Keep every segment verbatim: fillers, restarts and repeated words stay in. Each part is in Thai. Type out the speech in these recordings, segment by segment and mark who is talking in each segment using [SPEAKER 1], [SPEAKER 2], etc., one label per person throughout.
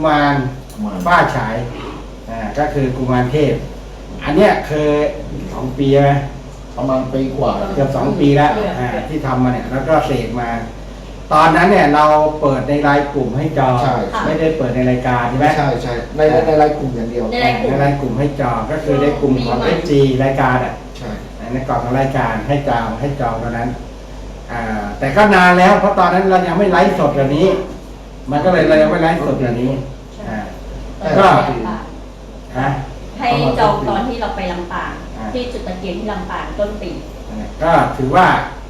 [SPEAKER 1] มารบ้าฉายอ่าก็คือกุมารเทพอันเนี้ยเคยสองปีไหม
[SPEAKER 2] ประมาณปีกว่า
[SPEAKER 1] เกือบสองปีแล้วอ่าที่ทำมาเนี่ยแล้วก็เสกมา ตอนนั้นเนี่ยเราเปิดในรายกลุ่มให้จองไม่ได้เปิดในรายการใช่ไหม
[SPEAKER 2] ใช่ใช่ในในรายกลุ่มอย่างเดียว
[SPEAKER 1] ในรายกลุ่มให้จองก็คือในกลุ่มของ เอส จี รายการอ่ะ
[SPEAKER 2] ใช่
[SPEAKER 1] ในกล่องของรายการให้จองให้จองตอนนั้นอ่าแต่ก็นานแล้วเพราะตอนนั้นเรายังไม่ไลฟ์สดแบบนี้มันก็เลยเรายังไม่ไลฟ์สดแบบนี้อ่าก็ฮะ
[SPEAKER 3] ให้จองตอนที่เราไปลำปางที่จุดตะเกียงที่ลำปางต้นปี
[SPEAKER 1] ก็ถือว่า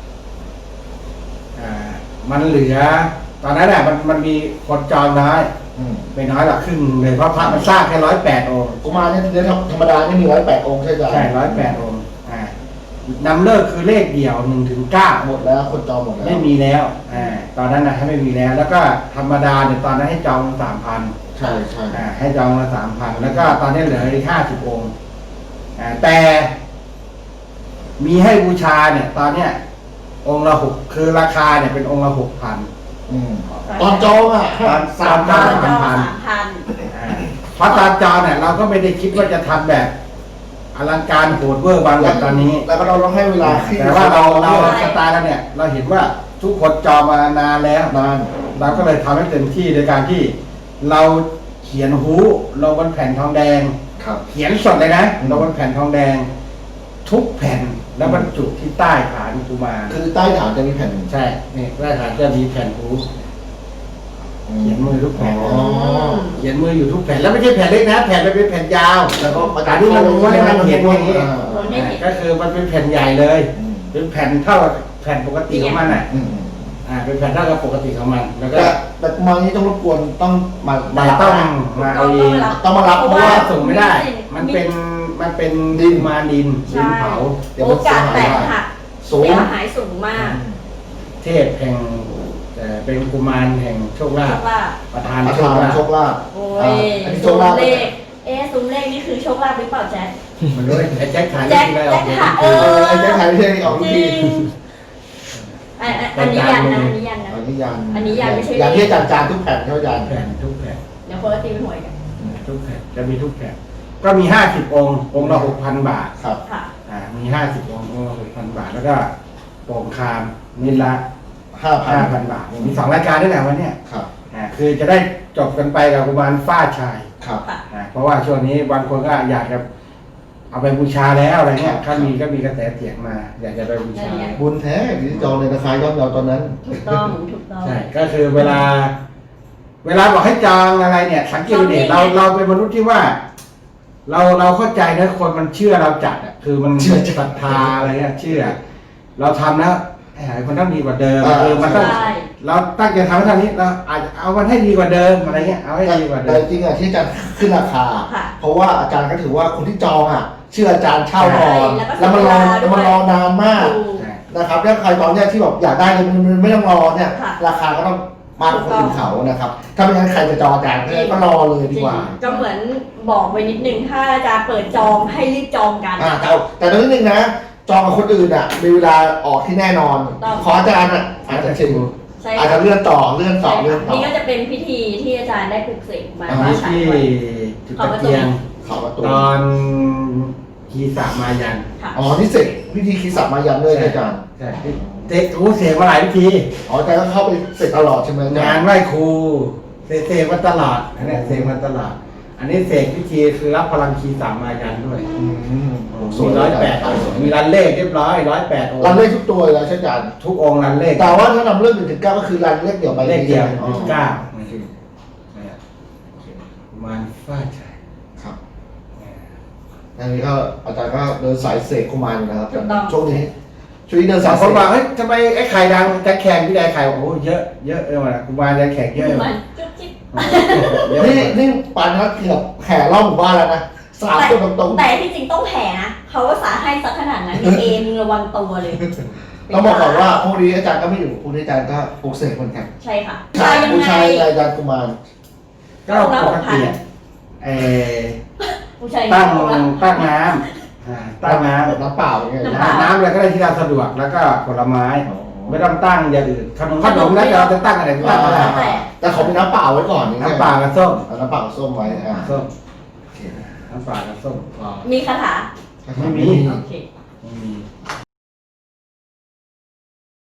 [SPEAKER 1] อ่ามันเหลือตอนนั้นแหละมันมันมีคนจองน้อยไม่น้อยหรอกครึ่งเลยเพราะพระมันสร้างแค่ร้อยแปดองค์
[SPEAKER 2] กุมารเนี่ยเดี๋ยวธรรมดานี่มีร้อยแปดองค์ใช่ไหม
[SPEAKER 1] ใช่ร้อยแปดองค์อ่านำเลิกคือเลขเดี่ยวหนึ่งถึงเก้า
[SPEAKER 2] หมดแล้วคนจองหมดแล้ว
[SPEAKER 1] ไม่มีแล้วอ่าตอนนั้นนะให้ไม่มีแล้ว แล้วก็ธรรมดาเนี่ยตอนนั้นให้จองสามพัน
[SPEAKER 2] ใช่ใช่
[SPEAKER 1] อ่าให้จองมาสามพันแล้วก็ตอนนี้เหลืออีกห้าสิบองค์อ่าแต่มีให้บูชาเนี่ยตอนเนี้ยองค์ละหกคือราคาเนี่ยเป็นองค์ละหกพัน
[SPEAKER 2] ตอนจองอ่ะ
[SPEAKER 1] ตอนสามพันสามพันเพราะตอนจองเนี่ยเราก็ไม่ได้คิดว่าจะทำแบบอลังการโหดเวอร์บางแบบตอนนี้
[SPEAKER 2] แล้วก็เราต้องให้เวลา
[SPEAKER 1] แต่ว่าเราเราสไตล์แล้วเนี่ยเราเห็นว่าทุกคนจองมานานแล้ว
[SPEAKER 2] นาน
[SPEAKER 1] เราก็เลยทำให้เต็มที่โดยการที่เราเขียนหูลงบนแผ่นทองแดงเขียนสดเลยนะลงบนแผ่นทองแดงทุกแผ่นแล้วบรรจุที่ใต้ฐานกุมาร
[SPEAKER 2] คือใต้ฐานจะมีแผ่น
[SPEAKER 1] ใช่นี่ใต้ฐานจะมีแผ่นหูเขียนมือทุกแผ่นเขียนมืออยู่ทุกแผ่นแล้วไม่ใช่แผ่นเล็กนะแผ่นมันเป็นแผ่นยาว
[SPEAKER 2] แล้วก็
[SPEAKER 1] ประกาศที่มันม้วนมันเขียนอย่างนี้ก็คือมันเป็นแผ่นใหญ่เลยเป็นแผ่นเท่าแผ่นปกติของมันอ่ะอ่าเป็นแผ่นเท่ากับปกติของมันแล้วก็
[SPEAKER 2] แต่กุมารนี้ต้องรบกวนต้องมา
[SPEAKER 1] มาต้องมาเอาเอง
[SPEAKER 2] ต้องมารับ
[SPEAKER 1] เพราะว่าส่งไม่ได้มันเป็นมันเป็นดินมาดินดินเผา
[SPEAKER 3] โอกาสแตกหักเสียหายสูงมาก
[SPEAKER 1] เทพแห่งแต่เป็นกุมารแห่งโชคลาภประธาน
[SPEAKER 2] โชคลาภโชคลาภ
[SPEAKER 3] โอ้ยซุ้มเลขเอ๊ะซุ้มเลขนี่คือโชคลาภหรือเปล่าแจ๊ค
[SPEAKER 1] มันด้วยไอ้แจ๊คขาย
[SPEAKER 3] แจ๊ค
[SPEAKER 1] แจ๊
[SPEAKER 3] คขายเออ
[SPEAKER 2] ไอ้แจ๊คขายที่ออกทุกที
[SPEAKER 3] อันนี้ยันนะอันนี้ยันนะ
[SPEAKER 2] อันนี้ยัน
[SPEAKER 3] อันนี้ยันไม่ใช่
[SPEAKER 2] ยันที่จานจานทุกแผ่นเท่ายัน
[SPEAKER 1] แผ่นทุกแผ่น
[SPEAKER 3] เดี๋ยวคนละตีเป็นหวยกัน
[SPEAKER 1] ทุกแผ่นจะมีทุกแผ่นก็มีห้าสิบองค์องค์ละหกพันบาท
[SPEAKER 2] ครับ
[SPEAKER 3] ค่ะ
[SPEAKER 1] อ่ามีห้าสิบองค์องค์ละหกพันบาทแล้วก็โป่งคามนิลละ
[SPEAKER 2] ห้า
[SPEAKER 1] พันบาทมีสองรายการด้วยแหละวันนี้
[SPEAKER 2] ครับ
[SPEAKER 1] อ่าคือจะได้จบกันไปกับกุมารฟ้าชาย
[SPEAKER 2] ครับ
[SPEAKER 1] อ่าเพราะว่าช่วงนี้บางคนก็อยากจะเอาไปบูชาแล้วอะไรเงี้ยถ้ามีก็มีกระแสเสียงมาอยากจะไปบูชา
[SPEAKER 2] บุญแท้ที่จองในราคาย่อมเยาตอนนั้น
[SPEAKER 3] ถูกต้องถูกต้อง
[SPEAKER 1] ใช่ก็คือเวลาเวลาบอกให้จองอะไรเนี่ยสังเกตดูดิเราเราเป็นมนุษย์ที่ว่าเราเราเข้าใจนะคนมันเชื่อเราจัดอ่ะคือมันเชื่อศรัทธาอะไรเงี้ยเชื่อเราทำแล้วมันต้องดีกว่าเดิมคือมันต้องเราตั้งใจทำให้ทำนี้เราอาจจะเอามันให้ดีกว่าเดิมอะไรเงี้ยเอาให้ดีกว่าเดิม
[SPEAKER 2] แต่จริงอ่ะที่อาจารย์ขึ้นราคาเพราะว่าอาจารย์ก็ถือว่าคนที่จองอ่ะเชื่ออาจารย์เช่านอนแล้วมันรอแล้วมันรอนานมากนะครับแล้วใครตอนเนี้ยที่แบบอยากได้เลยมันไม่ต้องรอเนี่ยราคาก็ต้องมากกว่าคนอื่นเขานะครับถ้าไม่งั้นใครจะจองอาจารย์ก็รอเลยดีกว่า
[SPEAKER 3] ก็เหมือนบอกไว้นิดนึงถ้าอาจารย์เปิดจองให้รีบจองกัน
[SPEAKER 2] อ่าแต่แต่นิดนึงนะจองกับคนอื่นอ่ะมีเวลาออกที่แน่นอนขออาจารย์อ่ะอาจจะชิมอาจจะเลื่อนต่อเลื่อนต่อเลื่อนต่อ
[SPEAKER 3] นี่ก็จะเป็นพิธีที่อาจารย์ได้ปลุกเสกมาว่าใช้
[SPEAKER 1] ไว้จุดตะเกียงตอนคีสามายัน
[SPEAKER 2] อ๋อนี่เสกพิธีคีสามายันด้วยอาจารย์
[SPEAKER 1] ใช่เด็กครูเสกมาหลายพิธี
[SPEAKER 2] อ๋ออาจารย์ก็เข้าไปเสกตลอดใช่ไหม
[SPEAKER 1] งานไหว้ครูเสกมาตลอดอันนี้เสกมาตลอดอันนี้เสกพิธีคือรับพลังคีสามายันด้วยมีร้อยแปดมีรันเลขเรียบร้อยร้อยแปดองค์
[SPEAKER 2] รันเลขทุกตัวเลยใช่ไหมอาจารย์
[SPEAKER 1] ทุกองค์รันเลข
[SPEAKER 2] แต่ว่าถ้านำเรื่องหนึ่งถึงเก้าก็คือรันเลขเดียวไป
[SPEAKER 1] เลขเดียวถึงเก้ามันฟาดใช่
[SPEAKER 2] ครับอันนี้ก็อาจารย์ก็เดินสายเสกกุมารนะครับช่วงนี้ช่วงนี้เดินสาย
[SPEAKER 1] คนบอกเฮ้ยทำไมไอ้ไข่ดังจะแข่งพี่แดงไข่โอ้เยอะเยอะเลยว่ะกุมารจะแข่งเยอะเลย
[SPEAKER 2] นี่นี่ปานนัดเกือบแห่รอบหมู่บ้านแล้วนะสามตัวตรง
[SPEAKER 3] ๆแต่ที่จริงต้องแห่นะเขาว่าสาให้สักขนาดนั้นมีเอมึงระวังตัวเลย
[SPEAKER 2] ต้องบอกก่อนว่าพวกนี้อาจารย์ก็ไม่อยู่พวกนี้อาจารย์ก็ปลุกเสกเหมือนกัน
[SPEAKER 3] ใช่ค่ะ
[SPEAKER 2] ใช่ผู้ชายอาจารย์กุมาร
[SPEAKER 1] ก็ปกติเออตั้งตั้งน้ำตั้งน้ำ
[SPEAKER 2] น้ำเปล่าอย่างเงี้ย
[SPEAKER 1] น้ำอะไรก็ได้ที่เราสะดวกแล้วก็ผลไม้ไม่ต้องตั้งอย่างอื่นขนมขนมแล้วเราจะตั้งอะไรก็ตั้งอะไร
[SPEAKER 2] แต่ขอเป็นน้ำเปล่าไว้ก่อนอย่างเงี้ย
[SPEAKER 1] น้ำปลากับส้ม
[SPEAKER 2] เอาน้ำเปล่ากับส้มไว้อ่า
[SPEAKER 1] ส้ม
[SPEAKER 2] โอเค
[SPEAKER 1] น้ำปลากับส้ม
[SPEAKER 3] มีคาถา
[SPEAKER 1] ไม่มี
[SPEAKER 3] โอเค
[SPEAKER 1] ไม่มี